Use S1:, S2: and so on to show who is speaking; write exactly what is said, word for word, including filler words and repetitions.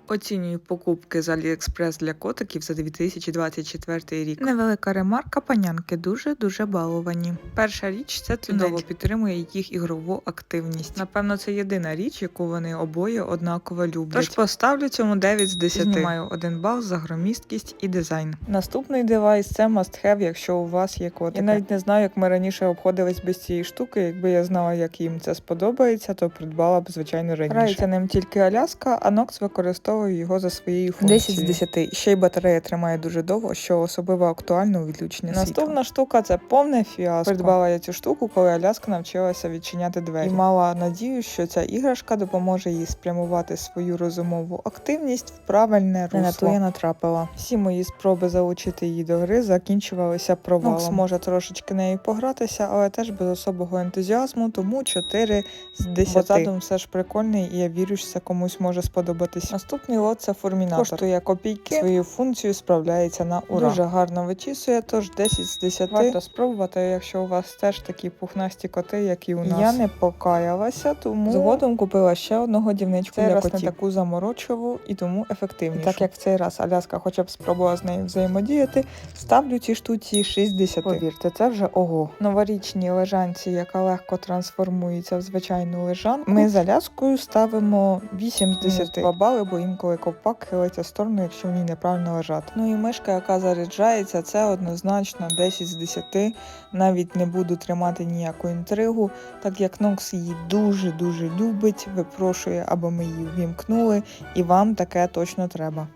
S1: Оцінюю покупки з AliExpress для котиків за дві тисячі двадцять четвертий рік. Невелика ремарка, панянки дуже-дуже баловані. Перша річ – це чудово підтримує їх ігрову активність. Напевно, це єдина річ, яку вони обоє однаково люблять. Тож поставлю цьому дев'ять з десяти. Знімаю один бал за громісткість і дизайн. Наступний девайс – це must have, якщо у вас є котики. Я навіть не знаю, як ми раніше обходились без цієї штуки. Якби я знала, як їм це сподобається, то придбала б, звичайно, раніше. Грається ним тільки Аляска, а Нокс використовує його за своєю функцією. десять з десяти. Ще й батарея тримає дуже довго, що особливо актуально у відключення світла. Наступна штука – це повне фіаско. Придбала я цю штуку, коли Аляска навчилася відчиняти двері. І мала надію, що ця іграшка допоможе їй спрямувати свою розумову активність в правильне русло. Не на то я натрапила. Всі мої спроби залучити її до гри закінчувалися провалом. Нокс може трошечки нею погратися, але теж без особого ентузіазму, тому чотири з десяти. Бо задум все ж прикольний, і я вірю, що це комусь може сподобатись. Наступний лот – це формінатор. Коштує копійки, свою функцію справляється на ура. Дуже гарно вичісує, тож десять з десяти. Варто спробувати, якщо у вас теж такі пухнасті коти, як і у нас. Я не покаялася, тому згодом купила ще одну годівничку для котів. Не таку заморочливу і тому ефективнішу. І так як в цей раз Аляска хоча б спробувала з нею взаємодіяти, ставлю цій штуці шість з десяти. Повірте, це вже ого. Новорічній лежанці, яка легко трансформується в звичайну лежанку, ми з Аляскою ставимо вісім з десяти. два бали, бо інколи ковпак хилиться в сторону, якщо в ній неправильно лежати. Ну і мишка, яка заряджається, це однозначно десять з десяти. Навіть не буду тримати ніяку інтригу, так як Нокс її дуже-дуже любить, випрошує, аби ми її ввімкнули, і вам таке точно треба.